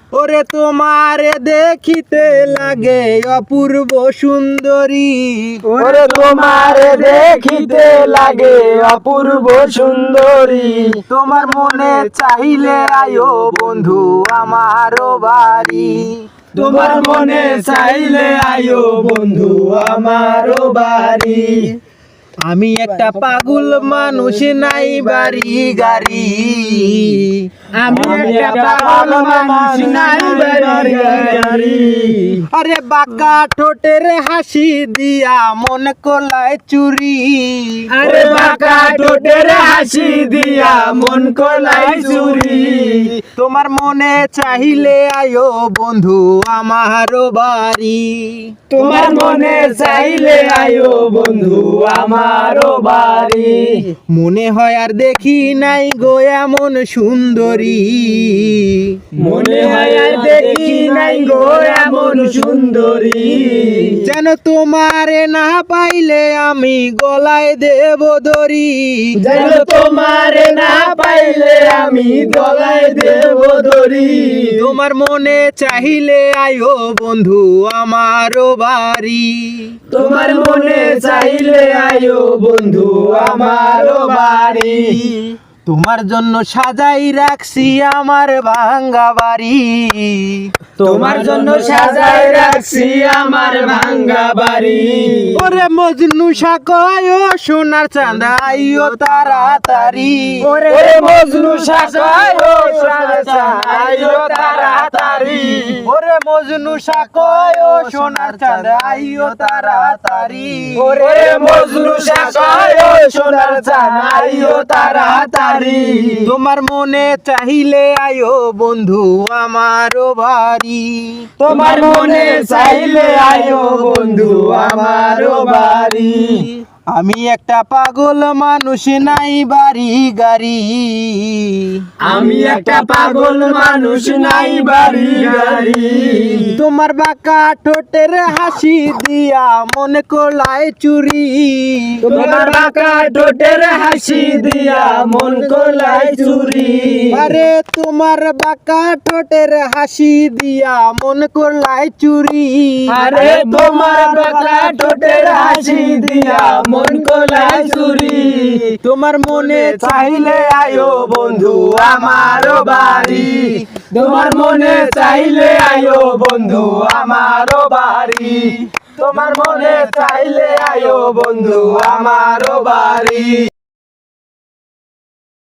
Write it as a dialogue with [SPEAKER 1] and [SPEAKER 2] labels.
[SPEAKER 1] ওরে তোমারে দেখিতে লাগে অপূর্ব সুন্দরী,
[SPEAKER 2] ওরে তোমারে দেখিতে লাগে অপূর্ব সুন্দরী।
[SPEAKER 1] তোমার মনে চাইলে আয়ো বন্ধু আমারও বাড়ি,
[SPEAKER 2] তোমার মনে চাইলে আয়ো বন্ধু আমারও বাড়ি।
[SPEAKER 1] আমি একটা পাগল মানুষ, নাই বাড়ি গাড়ি।
[SPEAKER 2] আমি একটা পাগল মানুষ, নাই বাড়ি গাড়ি।
[SPEAKER 1] আরে বাঁকা ঠোঁটের হাসি দিয়া মন কোলায় চুরি,
[SPEAKER 2] আরে বাঁকা ঠোঁটের হাসি দিয়া মন কোলায় চুরি।
[SPEAKER 1] তোমার মনে চাইলে আয়ো বন্ধু আমারও বাড়ি,
[SPEAKER 2] তোমার মনে চাইলে আয়ো বন্ধু আমারও বাড়ি।
[SPEAKER 1] মনে হয় আর দেখি নাই গো এমন সুন্দরী,
[SPEAKER 2] মনে হয় আর দেখি নাই গো এমন সুন্দরী।
[SPEAKER 1] যেন তোমারে না পাইলে আমি গলায় দেব দড়ি,
[SPEAKER 2] যেন তোমারে না পাইলে আমি গলায় দেব দড়ি।
[SPEAKER 1] তোমার মনে চাইলে আয়ো বন্ধু আমারও বাড়ি,
[SPEAKER 2] তোমার মনে চাইলে আয়ো বন্ধু আমারও বাড়ি।
[SPEAKER 1] তোমার জন্য সাজাই রাখছি আমার ভাঙ্গা বাড়ি,
[SPEAKER 2] তোমার জন্য সাজাই রাখছি আমার ভাঙ্গা বাড়ি।
[SPEAKER 1] ওরে মজনু সাকয় ও সোনার চাঁদা আইও তাড়াতাড়ি,
[SPEAKER 2] ওরে মজনু সাকয় ও সোনার চাঁদা আইও তাড়াতাড়ি।
[SPEAKER 1] ওরে মজনু সাকয় ও সোনার চাঁদা আইও তাড়াতাড়ি,
[SPEAKER 2] ওরে মজনু সাকয় ও সোনার চাঁদা আইও তাড়াতাড়ি।
[SPEAKER 1] তোমার মনে চাইলে আয়ো বন্ধু আমারও বাড়ি,
[SPEAKER 2] তোমার মনে চাইলে আয়ো বন্ধু আমারও বাড়ি।
[SPEAKER 1] আমি একটা পাগল মানুষ, নাই বাড়ি গাড়ি।
[SPEAKER 2] আমি একটা পাগল মানুষ, নাই বাড়ি গাড়ি।
[SPEAKER 1] তোমার বাঁকা ঠোঁটের হাসি দিয়া মন কোলায় চুরি,
[SPEAKER 2] তোমার বাঁকা ঠোঁটের হাসি দিয়া মন কোলায় চুরি।
[SPEAKER 1] আরে তোমার বাঁকা ঠোঁটের হাসি দিয়া মন কোলায় চুরি।
[SPEAKER 2] আরে তোমার বাঁকা ঠোঁটের হাসি দিয়া মন কোলায় চুরি।
[SPEAKER 1] তোমার মনে
[SPEAKER 2] চাইলে আয়ো বন্ধু আমারও বাড়ি। তোমার মনে চাইলে আয়ো বন্ধু আমারও বাড়ি। তোমার মনে চাইলে আয়ো বন্ধু আমারও বাড়ি।